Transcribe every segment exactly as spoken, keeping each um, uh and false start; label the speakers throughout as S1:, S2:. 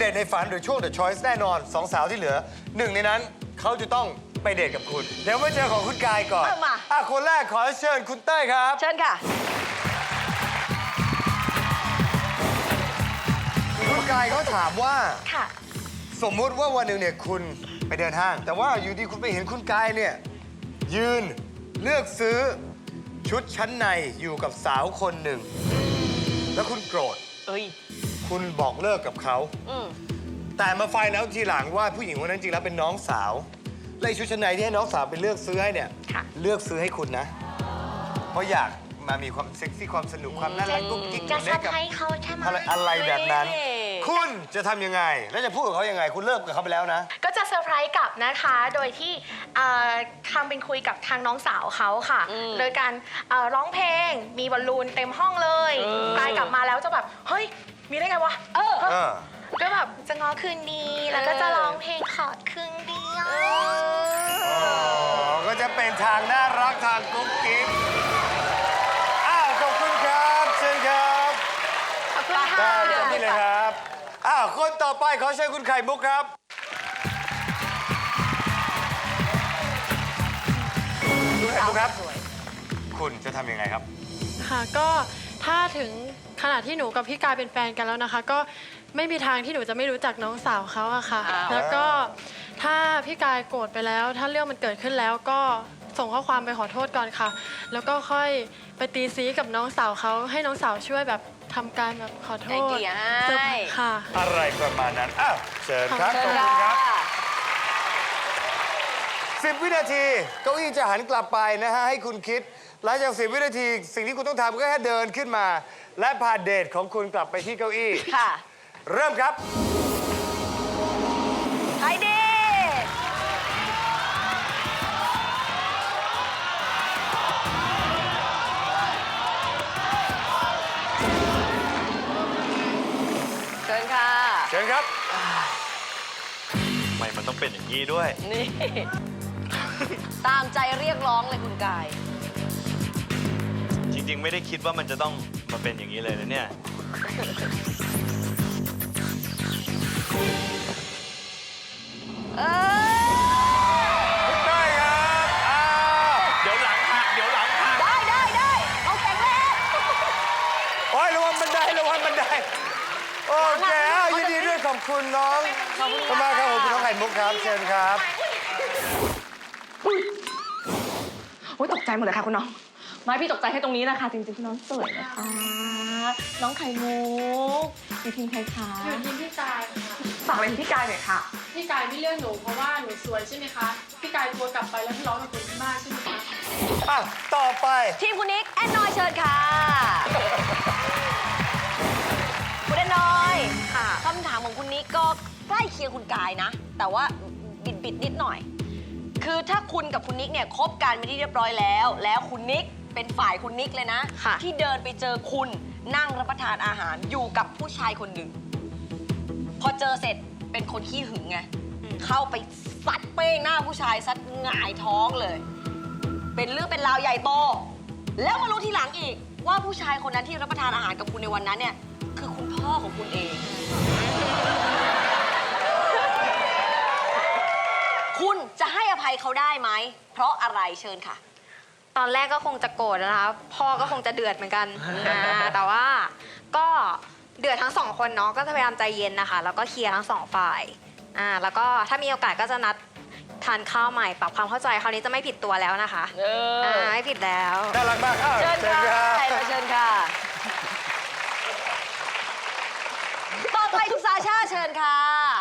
S1: เดทในฝันหรือช่วง The Choice แน่นอนสองสาวที่เหลือหนึ่งในนั้นเขาจะต้องไปเดทกับคุณ เดี๋ยวมาเจอของคุณกายก่อนมาอ่ะคนแรกขอเชิญคุณเต้ยครับ
S2: เชิญค่ะ
S1: คุณกายเขาถามว่า
S2: ค่ะ
S1: สมมุติว่าวันหนึ่งเนี่ยคุณไปเดินห้าง แต่ว่าอยู่ดีคุณไปเห็นคุณกายเนี่ยยืนเลือกซื้อชุดชั้นในอยู่กับสาวคนหนึ่งแล้วคุณโกรธ
S2: เอ้ย
S1: คุณบอกเลิกกับเขา
S2: อืม
S1: แต่มาไฟแล้วทีหลังว่าผู้หญิงคนนั้นจริงแล้วเป็นน้องสาวและชุดชั้นในที่ให้น้องสาวไปเลือกซื้อให้เนี่ยเลือกซื้อให้คุณนะเพราะอยากมามีความเซ็กซี่ความสนุกความน่ารักกุ๊กกิ๊ก
S3: จะ
S1: เล่
S3: ซั
S1: น
S3: บ
S1: กับ
S3: ให้เขาใช่ไหม
S1: อะไรอะไรแบบนั้น คุณจะทำยังไง แล้วจะพูดกับเขายังไง คุณเลิกกับเขาไปแล้วนะ
S3: ก็จะเซอร์ไพรส์กลับนะคะ โดยที่เอ่อทำเป็นคุยกับทางน้องสาวเขาค่ะ โดยการเอ่อร้องเพลง มีบอลลูนเต็มห้องเลยกลายกลับมาแล้วจะแบบ เฮ้ย มีได้ไงวะ เออ
S1: เออ
S3: ก็แบบจะง้อคืนดี แล้วก็จะร้องเพลงขอคืนดีอ่ะ
S1: อ๋อ ก็จะเป็นทางน่ารักทางกุ๊กกิ๊กอ้าวขอบคุณครับเชิญครับ
S3: ขอบคุณค่ะ
S1: ได้เต็มที่เลยครับอ้าวคนต่อไปขอเชิญคุณไข่มุกครับคุณไข่มุกครับ คุณจะทำยังไงครับ
S4: ค่ะก็ถ้าถึงขนาดที่หนูกับพี่กายเป็นแฟนกันแล้วนะคะ ก็ไม่มีทางที่หนูจะไม่รู้จักน้องสาวเขาอะค่ะ แล้วก็ถ้าพี่กายโกรธไปแล้ว ถ้าเรื่องมันเกิดขึ้นแล้วก็ส่งข้อความไปขอโทษก่อนค่ะ แล้วก็ค่อยไปตีซีกับน้องสาวเขาให้น้องสาวช่วยแบบทำการแบบขอโท
S2: ไอ
S4: ษ
S2: เดีย
S4: เซอร์ไพร
S2: ให้
S4: ส์ค่ะ
S1: อะไรประมาณนั้น อ้าว เชิญครับ
S2: เชิ
S1: ขอบ
S2: ญ
S1: คุณค
S2: ค่ะ
S1: รับสิบวินาที เก้าอี้จะหันกลับไปนะฮะ ให้คุณคิด หลังจากสิบวินาที สิ่งที่คุณต้องทำก็แค่เดินขึ้นมา และพาเดทของคุณกลับไปที่เก้าอี้
S2: ค่ะ
S1: เริ่มครับ
S2: ไอเดียเชิญค่ะ
S1: เชิญครับ
S5: ทำไมมันต้องเป็นอย่างนี้ด้วย
S2: นี่ ตามใจเรียกร้องเลยคุณกาย
S5: จริง ๆ ไม่ได้คิดว่ามันจะต้องมาเป็นอย่างนี้เลยนะเนี่ย
S2: เออ
S1: ได้ครับอ้าว
S5: เดี๋ยวหลังหักเดี๋ยวหลังหัก
S2: ได้ได้ได้เอาแข็งแรง
S1: โอ้ยระวังบันไดระวังบันได โอเคอ้าวยินดีด้วยขอบคุณน้องขอบคุณมากครับผมคุณน้องไข่มุกครับ เชิญครับ
S6: โอ้ยตกใจหมดเลยค่ะคุณน้อง ไม่พี่ตกใจแค่ตรงนี้นะคะจริงๆคุณน้องสวยนะคะ น้องไข่มุกอยู่ทีมใครคะ
S4: อยู่ทีมพี่กายค่ะ
S6: ฝากเป็นพี่กายหน่อยค่ะ
S4: พี่กายไม่เลือกหนูเพราะว่าหนูสวยใช่ไหมคะ พี่กายกลัวกลับไปแล้วทะเลาะกับคนที่บ้านใช่ไหมคะ
S1: อ่ะ ต่อไป
S2: ทีมคุณนิกแอนนอยเชิญค่ะ คุณแอนนอยค่ะคำถามของคุณนิกก็ใกล้เคียงคุณกายนะ แต่ว่าบิดบิดๆนิดหน่อย คือถ้าคุณกับคุณนิกเนี่ยคบกันไม่ได้เรียบร้อยแล้ว แล้วคุณนิกเป็นฝ่ายคุณนิกเลยนะ ที่เดินไปเจอคุณนั่งรับประทานอาหารอยู่กับผู้ชายคนหนึ่ง พอเจอเสร็จเป็นคนขี้หึงไง เข้าไปซัดเป้งหน้าผู้ชายซัดหงายท้องเลย เป็นเรื่องเป็นราวใหญ่โต แล้วมารู้ทีหลังอีก ว่าผู้ชายคนนั้นที่รับประทานอาหารกับคุณในวันนั้นเนี่ย คือคุณพ่อของคุณเอง คุณจะให้อภัยเขาได้ไหม เพราะอะไรเชิญค่ะ
S3: ตอนแรกก็คงจะโกรธนะคะพ่อก็คงจะเดือดเหมือนกันอ่าแต่ว่าก็เดือดทั้งสองคนเนาะก็จะพยายามใจเย็นนะคะแล้วก็เคลียร์ทั้งสองฝ่ายอ่าแล้วก็ถ้ามีโอกาสก็จะนัดทานข้าวใหม่ปรับความเข้าใจคราวนี้จะไม่ผิดตัวแล้วนะคะ
S2: เออ
S3: อ่าไม่ผิดแล้ว
S1: น่ารักมากอ้าว
S2: เชิญค่ะ
S1: รับ
S2: ใครเลยเชิญค่ะ ต่อไปคุณซาชาเชิญค่ะ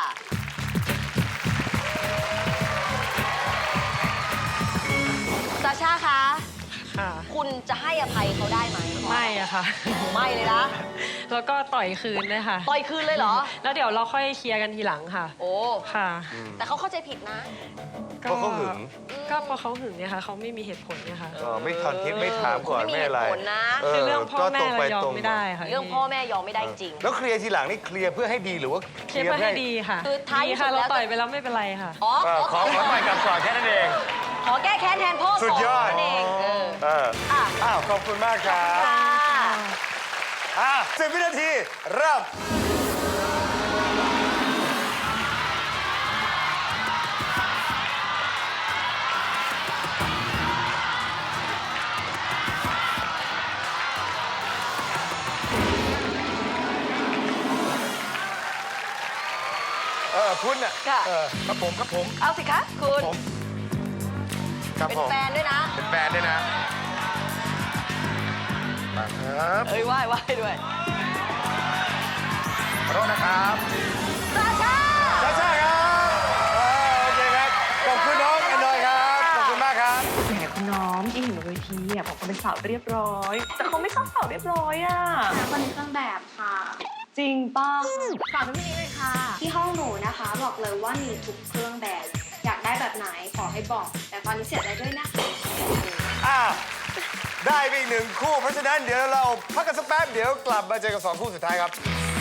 S2: ซาชาคะ
S4: ค่ะ
S2: คุณจะให้อภัยเขาได้ไหม
S4: ไม่อะค่ะ
S2: ไม่เลยนะ
S4: แล้วก็ต่อยคืนเลยค่ะ
S2: ต่อยคืนเลยเหรอ
S4: แล้วเดี๋ยวเราค่อยเคลียร์กันทีหลังค่ะ
S2: โอ้
S4: ค่ะ
S2: แต่เขาเข้าใจผิดนะ
S1: เพราะเขาหึง
S4: ก็เพราะเขาหึงเนี่ยค่ะเขาไม่มีเหตุผลเนี่ยค่ะ
S1: อ๋อไม่ทันคิดไม่ถามก่อน
S2: ไม่มี
S1: ไม่อะไร
S2: เหตุผลนะ
S4: คือเรื่องพ่อแม่
S1: ก็ตรงไป
S4: เรายอม
S1: ตรง
S4: ไม่ได้ค่ะ
S2: เรื่องพ่อแม่ยอมไม่ได้จริง
S1: แล้วเคลียร์ทีหลังนี่เคลียร์เพื่อให้ดีหรือว่า
S4: เคลียร์เพื่อให้ดีค่ะ
S2: คือท้าย
S4: ดี
S2: ที่สุ
S4: ค่ะ
S2: ดแล้ว
S4: เราต่อยไปแล้วไม่เป็นไรค่ะ
S2: อ๋อ
S1: เออขอขอใหม่กลับก่อนแค่นั้นเอง
S2: ขอแก้แค้นแทนพ่อ
S1: สุดยอด
S2: นั่นเองเออ
S1: เออ
S2: อ่ะ
S1: อ้าวขอบคุณมากครับ
S2: ค่ะ
S1: อ่ะสิบวินาทีเริ่มเออคุณอ่ะ
S2: ค่ะ
S1: เออครับผมครับผม
S2: เอาสิคะคุณ
S1: ผมครับ
S2: เป็น
S1: ผม
S2: แฟนด้วยนะ
S1: เป็นแฟนด้วยนะมาครับ
S2: เอ้ยไหว้ไหว้ด้วย
S1: ขอโทษนะครับ
S2: ซาชา
S1: ชาชาครับเออโอเคครับขอบคุณน้องแอนดรอยครับขอบคุณมากครับ
S6: แหมคุณน้องที่เห็นบนเวทีอ่ะบอกว่าเป็นสาวเรียบร้อย แต่เขาไม่ชอบสาวเรียบร้อยอ่ะ
S7: คนในเครื่องแบบค่ะ
S6: จริงป่ะฝากพี่นี้เลยค่ะ
S7: ที่ห้องหนูนะคะบอกเลยว่ามีทุกเครื่องแบบ อยากได้แบบไหนขอให้บอก แต่ตอนนี้เสียใจด้วยนะคะ
S1: อ้าวได้ไปอีกหนึ่งคู่ เพราะฉะนั้นเดี๋ยวเราพักกันสักแป๊บ เดี๋ยวกลับมาเจอกับสองคู่สุดท้ายครับ